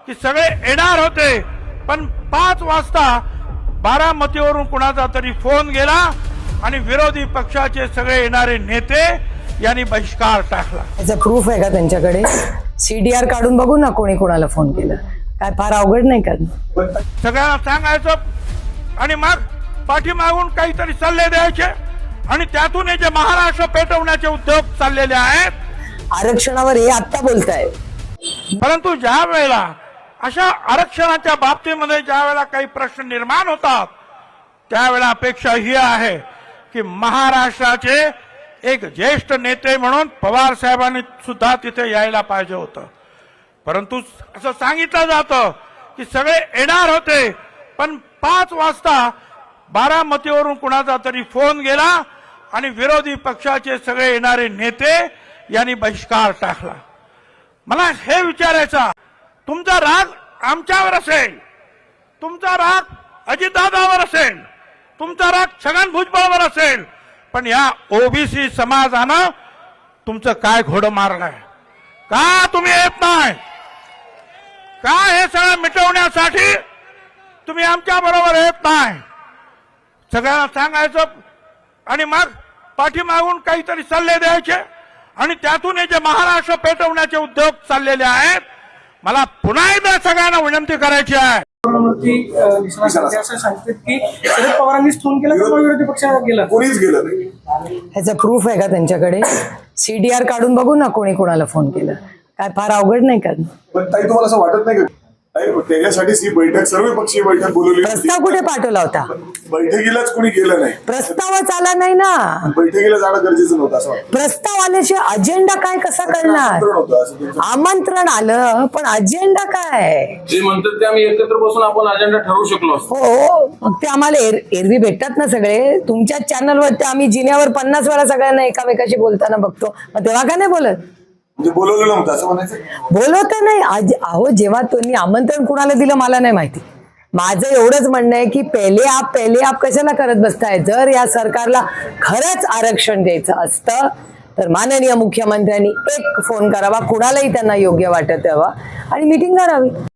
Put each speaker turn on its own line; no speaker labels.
की सगळे येणार होते, पण 5 वाजता बारामतीवरून कुणाचा तरी फोन गेला आणि विरोधी पक्षाचे सगळे येणारे नेते यांनी बहिष्कार टाकला।
याचा प्रूफ आहे का त्यांच्याकडे? सीडीआर काढून बघू ना कोणी कोणाला फोन केला। काय फार अवघड नाही का?
सगळ्यांना सांगायचं आणि मग पाठीमागून काहीतरी सल्ले द्यायचे आणि त्यातून हे जे महाराष्ट्र पेटवण्याचे उद्योग चाललेले आहेत।
आरक्षणावर हे आता बोलताय,
परंतु ज्या वेळेला अशा आरक्षणाच्या बाबतीमध्ये ज्या वेळेला काही प्रश्न निर्माण होतात, त्यावेळेला अपेक्षा ही आहे की महाराष्ट्राचे एक ज्येष्ठ नेते म्हणून पवार साहेबांनी सुद्धा तिथे यायला पाहिजे होतं। परंतु असं सांगितलं जातं की सगळे येणार होते, पण 5 वाजता बारामतीवरून कुणाचा तरी फोन गेला आणि विरोधी पक्षाचे सगळे येणारे नेते यांनी बहिष्कार टाकला। मला हे विचारायचं, तुमचा राग आमच्यावर असेल, तुमचा राग अजितदादावर असेल, तुमचा राग छगन भुजबळवर असेल, पण या ओबीसी समाजानं तुमचं काय घोडं मारलंय? का तुम्ही येत नाही? का हे सगळं मिटवण्यासाठी तुम्ही आमच्या बरोबर येत नाही? सगळ्यांना सांगायचं आणि मग पाठीमागून काहीतरी सल्ले द्यायचे आणि त्यातून हे जे महाराष्ट्र पेटवण्याचे उद्योग चाललेले आहेत। मला पुन्हा एकदा सगळ्यांना विनंती करायची आहे,
प्रधानमंत्री असं सांगतात की शरद पवारांनीच फोन केला तर विरोधी पक्षाला गेला,
कोणीच गेलं नाही।
ह्याचा प्रूफ आहे का त्यांच्याकडे? सीडीआर काढून बघू ना कोणी कोणाला फोन केला। काय फार अवघड नाही का?
पण ताई तुम्हाला असं वाटत नाही का त्याच्यासाठीच ही बैठक, सर्व पक्षीय बैठक बोलवली?
प्रस्ताव कुठे पाठवला होता?
बैठकीलाच कोणी गेलं नाही,
प्रस्तावच आला नाही ना।
बैठकीला जाणं गरजेचं नव्हतं असं वाटतं।
प्रस्ताव आल्याशिवाय अजेंडा काय कसा करणार?
आमंत्रण होतं असं तुमचं?
आमंत्रण आलं पण अजेंडा काय?
जे म्हणतात ते आम्ही एकत्र बसून आपण अजेंडा ठरवू शकलो असतो।
हो, मग ते आम्हाला एरवी भेटतात ना सगळे। तुमच्याच चॅनलवरती आम्ही जिन्यावर 50 वेळा सगळ्यांना एकामेकाशी बोलताना बघतो, मग तेव्हा का नाही बोलत?
म्हणजे बोलवलं नव्हतं असं म्हणायचं?
बोलवत नाही अहो, जेव्हा तुम्ही आमंत्रण कुणाला दिलं मला नाही माहिती। माझं एवढंच म्हणणं आहे की पहिले आप कशाला करत बसताय? जर या सरकारला खरंच आरक्षण द्यायचं असतं तर माननीय मुख्यमंत्र्यांनी एक फोन करावा, कुणालाही त्यांना योग्य वाटत यावा आणि मीटिंग करावी।